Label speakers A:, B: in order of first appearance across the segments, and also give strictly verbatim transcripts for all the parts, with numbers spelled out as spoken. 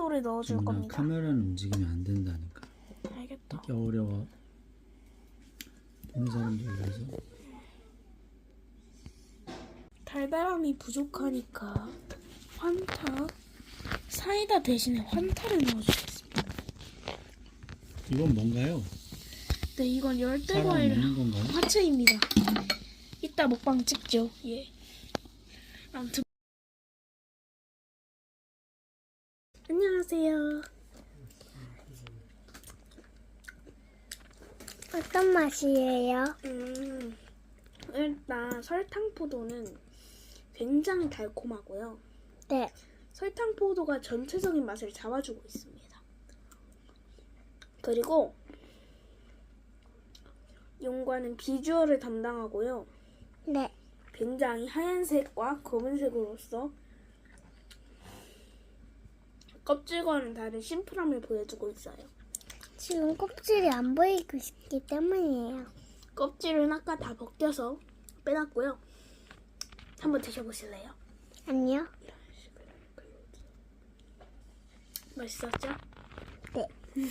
A: 포도를 넣어줄
B: 누나,
A: 겁니다.
B: 카메라는 움직이면 안 된다니까.
A: 알겠다.
B: 이게 어려워. 보는 사람들 위해서.
A: 달달함이 부족하니까 환타, 사이다 대신에 환타를 넣어주겠습니다.
B: 이건 뭔가요?
A: 네, 이건
B: 사람
A: 열대과일
B: 먹는 건가요?
A: 화채입니다. 이따 먹방 찍죠. 예. 아무튼 안녕하세요.
C: 어떤 맛이에요?
A: 음, 일단 설탕포도는 굉장히 달콤하고요.
C: 네.
A: 설탕포도가 전체적인 맛을 잡아주고 있습니다. 그리고 용과는 비주얼을 담당하고요.
C: 네.
A: 굉장히 하얀색과 검은색으로서 껍질과는 다른 심플함을 보여주고 있어요.
C: 지금 껍질이 안 보이고 있기 때문이에요.
A: 껍질은 아까 다 벗겨서 빼놨고요. 한번 드셔보실래요?
C: 아니요.
A: 맛있었죠?
C: 네.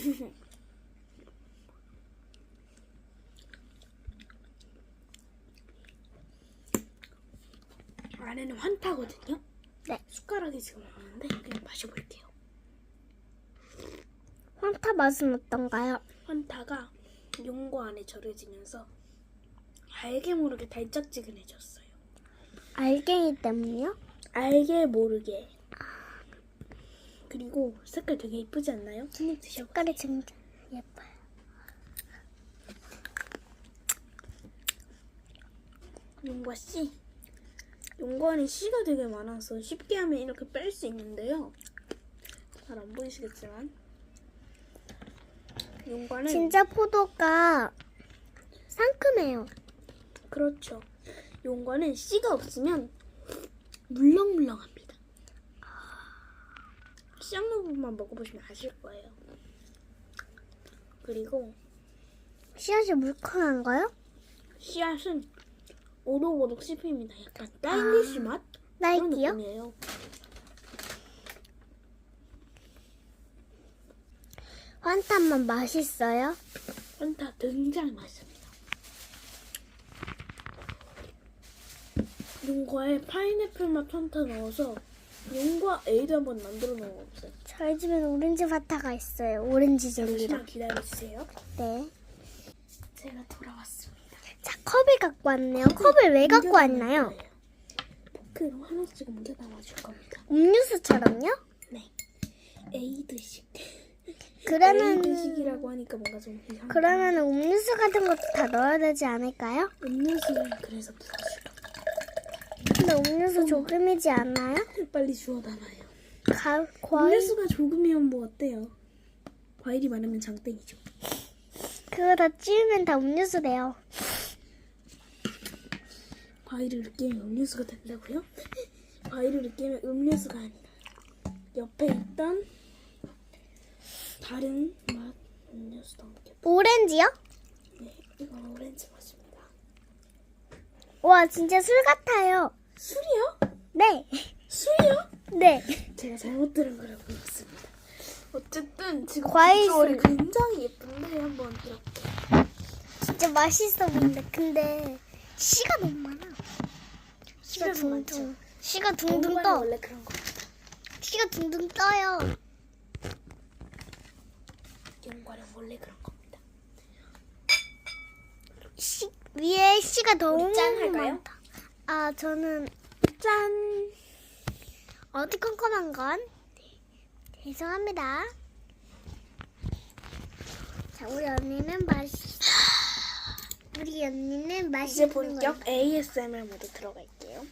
A: 안에는 환타거든요?
C: 네.
A: 숟가락이 지금 없는데 그냥 마셔볼게요.
C: 환타 맛은 어떤가요?
A: 환타가 용과 안에 절여지면서 알게 모르게 달짝지근해졌어요.
C: 알갱이 때문이요?
A: 알게 모르게. 그리고 색깔 되게 예쁘지 않나요? 한번 드셔보세요.
C: 색깔이 진짜 예뻐요.
A: 용과 씨. 용과는 씨가 되게 많아서 쉽게 하면 이렇게 뺄 수 있는데요. 잘 안 보이시겠지만 용과는
C: 진짜 포도가 상큼해요.
A: 그렇죠. 용과는 씨가 없으면 물렁물렁합니다. 씨 없는 부분만 먹어보시면 아실 거예요. 그리고
C: 씨앗이 물컹한가요?
A: 씨앗은 오독오독 씹힙니다. 약간 딸기씨 맛? 그런
C: 딸기요?
A: 느낌이에요.
C: 환타만 맛있어요?
A: 환타 굉장히 맛있습니다. 용과에 파인애플 맛 환타 넣어서 용과 에이드 한번 만들어 먹어보세요.
C: 저희 집엔 오렌지 환타가 있어요. 오렌지 젤리랑.
A: 잠시만 기다려주세요.
C: 네.
A: 제가 돌아왔습니다.
C: 자, 컵을 갖고 왔네요. 컵을 왜 갖고 왔나요?
A: 포크로 하나씩 옮겨 담아줄 겁니다.
C: 음료수처럼요?
A: 네. 에이드식.
C: 그러면
A: 에이드식이라고 하니까 뭔가 좀 이상해.
C: 그러면 음료수 같은 것도 다 넣어야 되지 않을까요?
A: 음료수는 그래서 부어줄 겁니다.
C: 근데 음료수 조금이지 않나요?
A: 빨리 주워 담아요.
C: 가, 과일
A: 음료수가 조금이면 뭐 어때요? 과일이 많으면 장땡이죠.
C: 그거 다 찌우면 다 음료수 돼요.
A: 과일을 으깨면 음료수가 된다고요? 과일을 으깨면 음료수가 아니라 옆에 있던 다른 맛 음료수도 함께.
C: 오렌지요?
A: 네, 이건 오렌지 맛입니다.
C: 와, 진짜 술 같아요.
A: 술이요?
C: 네.
A: 술이요?
C: 네.
A: 제가 잘못 들은 거라고 봤습니다. 어쨌든 지금
C: 과일
A: 비주얼이
C: 술.
A: 굉장히 예쁜데 한번 이렇게
C: 진짜 맛있어 보이는데 근데 씨가 너무 많아. 씨가
A: 씨가 좀
C: 둥둥.
A: 많죠?
C: 씨가 둥둥
A: 용과는
C: 떠.
A: 원래 그런 거.
C: 씨가 둥둥 떠요.
A: 용과는 원래 그런 겁니다.
C: 씨 위에 씨가 너무
A: 짠 할까요?
C: 많다. 아, 저는
A: 짠.
C: 어디 컴컴한 건? 죄송합니다. 자, 우리 언니는 맛있. 우리 언니는
A: 이제
C: 맛있는
A: 본격
C: 거.
A: 에이에스엠알 모드 들어갈게요.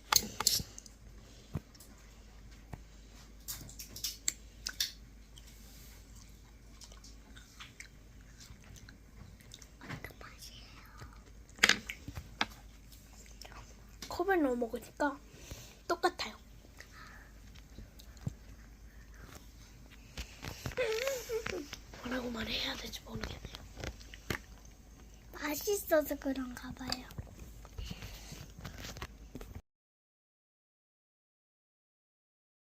A: 컵을 넣어 먹으니까 똑같아요. 뭐라고 말해야 될지 모르겠네요.
C: 맛있어서 그런가 봐요.